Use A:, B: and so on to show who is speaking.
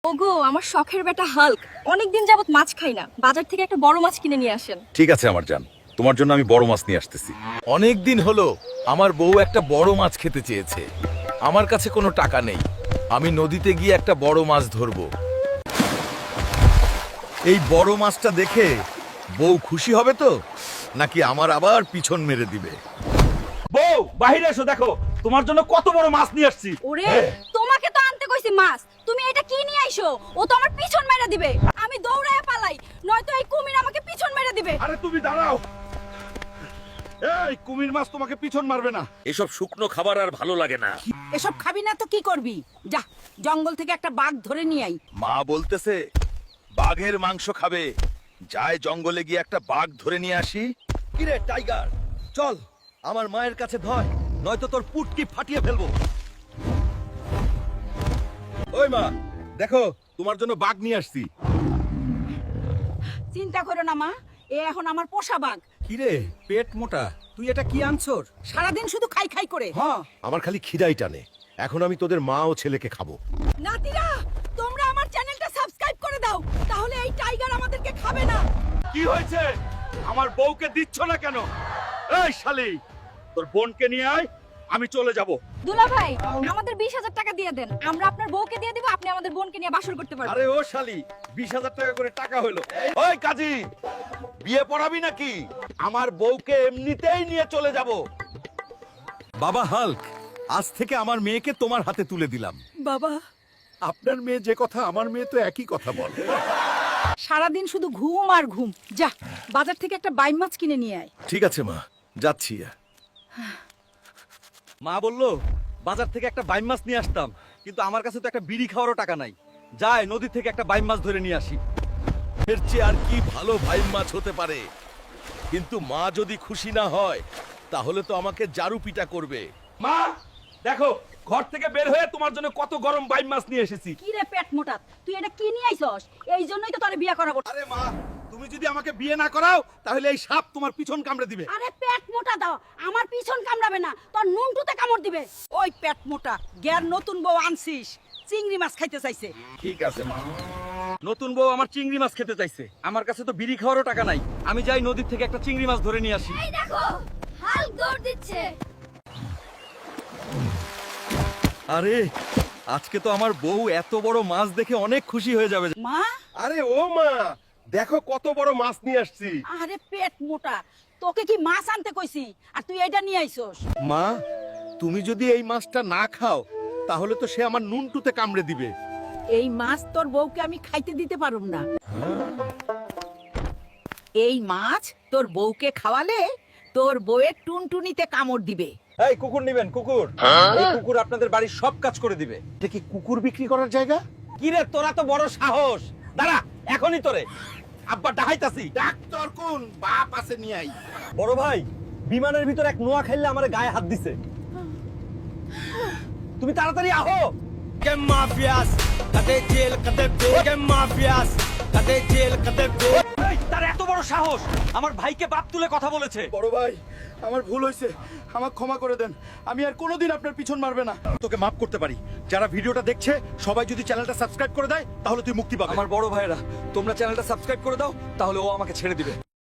A: ওগো আমার শখের বেটা হাল্ক অনেকদিন যাবত মাছ খাই না, বাজার থেকে একটা বড় মাছ কিনে নিয়ে আসেন।
B: ঠিক আছে আমার জান, তোমার জন্য আমি বড় মাছ নিয়ে আসতেছি।
C: অনেক দিন হলো আমার বউ একটা বড় মাছ খেতে চেয়েছে। আমার কাছে কোনো টাকা নেই, আমি নদীতে গিয়ে একটা বড় মাছ ধরবো।
B: এই বড় মাছটা দেখে বউ খুশি হবে তো, নাকি আমার আবার পিছন মেরে দিবে?
D: বউ বাহিরে এসো, দেখো তোমার জন্য কত বড় মাছ নিয়ে আসছি।
A: ওরে তোমাকে তো আনতে কইছি মাছ, তুমি এটা কি নিয়ে আইছো? ও তো আমার পিছন মেরে দিবে, আমি দৌড়ায় পালাই, নয়তো এই কুমির আমাকে পিছন মেরে দিবে।
D: আরে তুমি দাঁড়াও, এই কুমির মাছ তোমাকে পিছন মারবে না।
B: এসব শুকনো খাবার আর ভালো লাগে না।
E: এসব খাবি না তো কি করবি? যা জঙ্গল থেকে একটা বাঘ ধরে নিয়ে আই।
B: মা বলতেছে বাঘের মাংস খাবে, যায় জঙ্গলে গিয়ে একটা বাঘ ধরে নিয়ে আসি। কিরে টাইগার, চল আমার মায়ের কাছে ধয়, নয়তো তোর পুটকি ফাটিয়ে ফেলবো। ওই মা, দেখো তোমার জন্য বাঘ নিয়ে আসছি।
E: চিন্তা করো না মা, এ এখন আমার পোষা বাঘ।
B: কিরে পেট মোটা, তুই এটা কি আনছর?
E: সারাদিন শুধু খাই খাই করে।
B: হ্যাঁ, আমার খালি খিদাই টানে। এখন আমি তোদের মা ও ছেলেকে খাবো।
A: নাতিরা তোমরা আমার চ্যানেলটা সাবস্ক্রাইব করে দাও, তাহলে এই টাইগার আমাদেরকে খাবে না।
D: কি হয়েছে? আমার বউকে দিচ্ছ না কেন? এই শালি, তোর বোনকে নিয়ে আয়, আমি চলে যাব।
A: দুলা ভাই আমাদের 20,000 টাকা দিয়ে দেন, আমরা আপনার বউকে দিয়ে দিব, আপনি আমাদের বোনকে নিয়ে বাসর করতে পারবেন।
D: আরে ও শালি, 20,000 টাকা করে টাকা হলো। ওই কাজী, বিয়ে পড়াবি নাকি? আমার বউকে এমনিতেই নিয়ে চলে যাব।
B: বাবা হাল্ক, আজ থেকে আমার মেয়েকে তোমার হাতে তুলে দিলাম।
E: বাবা
B: আপনার মেয়ে যে কথা, আমার মেয়ে তো একই কথা বলে।
E: সারাদিন শুধু ঘুম আর ঘুম। যা বাজার থেকে একটা বাইম মাছ কিনে নিয়ে আয়।
B: ঠিক আছে মা, যাচ্ছি।
D: মা বললো বাজার থেকে একটা বাইম মাছ নিয়ে আসতাম, কিন্তু আমার কাছে তো একটা বিড়ি খাওয়ারও টাকা নাই। যায় নদী থেকে একটা বাইম মাছ ধরে নিয়ে আসি।
B: এর চেয়ে আর কি ভালো ভাই মাছ হতে পারে? কিন্তু মা যদি খুশি না হয়, তাহলে তো আমাকে জারু পিটা করবে।
D: মা দেখো, ঘর থেকে বের হয়ে তোমার জন্য কত গরম বাইম মাছ নিয়ে এসেছি।
E: কি রে পেট মোটা, তুই এটা কি নিয়ে আইছস? এই জন্যই তো তোরে বিয়ে করাবো।
D: আরে মা, তুমি যদি আমাকে বিয়ে না করাও, তাহলে এই সাপ তোমার পিছন কামড়ে দিবে।
E: আরে পেট মোটা দাও, আমার পিছন কামড়াবে না, তোর নুনটুতে কামড় দিবে। ওই পেট মোটা, গ্যার নতুন বউ আনছিস, চিংড়ি মাছ খাইতে চাইছে।
D: ঠিক আছে মা। নতুন বউ আমার চিংড়ি মাছ খেতে চাইছে, আমার কাছে তো বিড়ি খাওয়ারও টাকা নাই। আমি যাই নদীর থেকে একটা চিংড়ি মাছ ধরে নিয়ে আসি।
A: এই দেখো হাল্ক দৌড় দিচ্ছে।
D: আরে আজকে তো আমার বউ এত বড় মাছ দেখে অনেক খুশি হয়ে যাবে।
E: মা
D: আরে ও মা, দেখো কত বড় মাছ নিয়ে আসছি।
E: আরে পেট মোটা, তোকে কি মাছ আনতে কইছি আর তুই এটা নিয়ে আইছস?
B: মা, তুমি যদি এই মাছটা না খাও, তাহলে তো সে আমার নুনটুতে কামড়ে দিবে।
E: এই মাছ তোর বউকে আমি খাইতে দিতে পারুম না। এই মাছ তোর বউকে খাওয়ালে তোর বউয়ের টুনটুনিতে কামড় দিবে।
D: এই কুকুর নিবেন? কুকুর, এই কুকুর আপনাদের বাড়ির সব কাজ করে দিবে।
B: এটা কি কুকুর বিক্রি করার জায়গা?
D: কি রে, তোরা তো বড় সাহস! দাঁড়া, এখনই তোরে আব্বা ডাহাইতাছি।
B: ডাক্তার কোন বাপ আছে নিয়ে আই।
D: বড় ভাই, বিমানের ভিতর এক নোয়া খাইলে আমার গায়ে হাত দিছে। তুমি তাড়াতাড়ি আহো। এই, তার এত বড় সাহস, আমার ভাইকে বাপ তুলে কথা বলেছে।
F: বড় ভাই, আমার ভুল হয়েছে, আমাকে ক্ষমা করে দেন। আমি আর কোনোদিন আপনার পিছন মারবে না।
D: তোকে মাফ করতে পারি। যারা ভিডিওটা দেখছে সবাই যদি চ্যানেলটা সাবস্ক্রাইব করে দেয়, তাহলে তুই মুক্তি পাবি। আমার বড় ভাইরা, তোমরা চ্যানেলটা সাবস্ক্রাইব করে দাও, তাহলে ও আমাকে ছেড়ে দিবে।